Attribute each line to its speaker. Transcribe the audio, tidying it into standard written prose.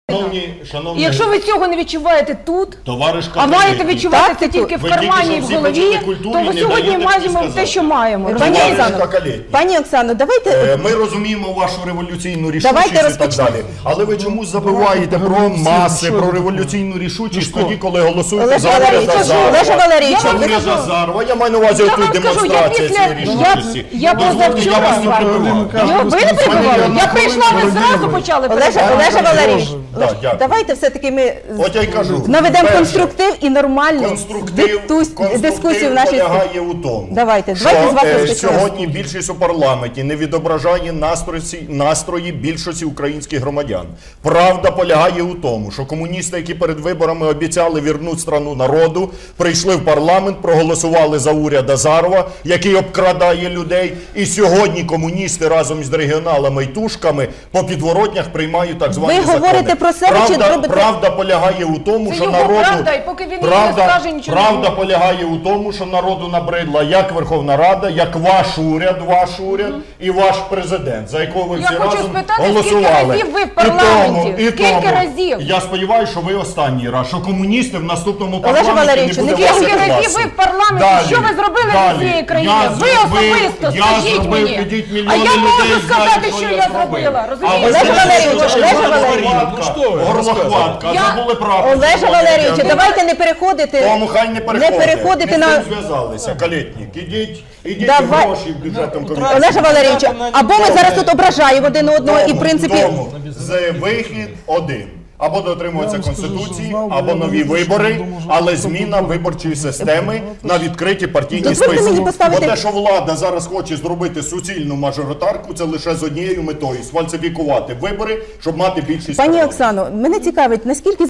Speaker 1: І якщо ви цього не відчуваєте тут, а маєте відчувати це тільки в кармані і в голові, то ви сьогодні маємо те, що маємо.
Speaker 2: Пані Оксано, давайте...
Speaker 3: Ми розуміємо вашу революційну рішучість і так далі. Але ви чомусь забуваєте про маси, про революційну рішучість тоді, коли голосуєте за уряд Азарова. Я маю на увазі отут демонстрація цієї рішучості.
Speaker 1: Я позавчора з вами. Ви не прибували? Я прийшла, ви зразу почали перебувати.
Speaker 2: Олеже Валерійович, давайте все-таки ми наведемо конструктив і нормальну дискусію в нашій
Speaker 3: спілці. Полягає у тому, що сьогодні більшість у парламенті не відображає настрої більшості українських громадян. Правда полягає у тому, що комуністи, які перед виборами обіцяли вірнути страну народу, прийшли в парламент, проголосували за уряд Азарова, який обкрадає людей, і сьогодні комуністи разом з регіоналами і тушками по підворотнях приймають так звані закони.
Speaker 2: Ви говорите про себе чи робите?
Speaker 3: Правда полягає у тому, що народу набридла як Верховна Рада, як ваш уряд і ваш президент, за якого ви всі разом голосували.
Speaker 1: Скільки разів ви в парламенті? Скільки разів?
Speaker 3: Я сподіваюся, що ви останній раз, що комуністи в наступному парламенті не буде вас
Speaker 1: Скільки разів ви в парламенті? Що ви зробили для цієї країни? Ви особисто, скажіть мені. А я можу сказати, що я зробила.
Speaker 2: Олеже Валерійовичу, давайте не переходити.
Speaker 3: Тому хай не переходите. Ми зв'язалися. Калєтнік, ідіть гроші бюджетом комітету.
Speaker 2: Олеже Валерійовичу, або ми зараз тут ображаємо один одного і в принципі...
Speaker 3: Вихід один. Або дотримуватися Конституції, або нові вибори, але зміна виборчої системи на відкриті партійні списки. Бо те, що влада зараз хоче зробити суцільну мажоритарку, це лише з однією метою – сфальсифікувати вибори, щоб мати більшість.
Speaker 2: Пані Оксано, мене цікавить, наскільки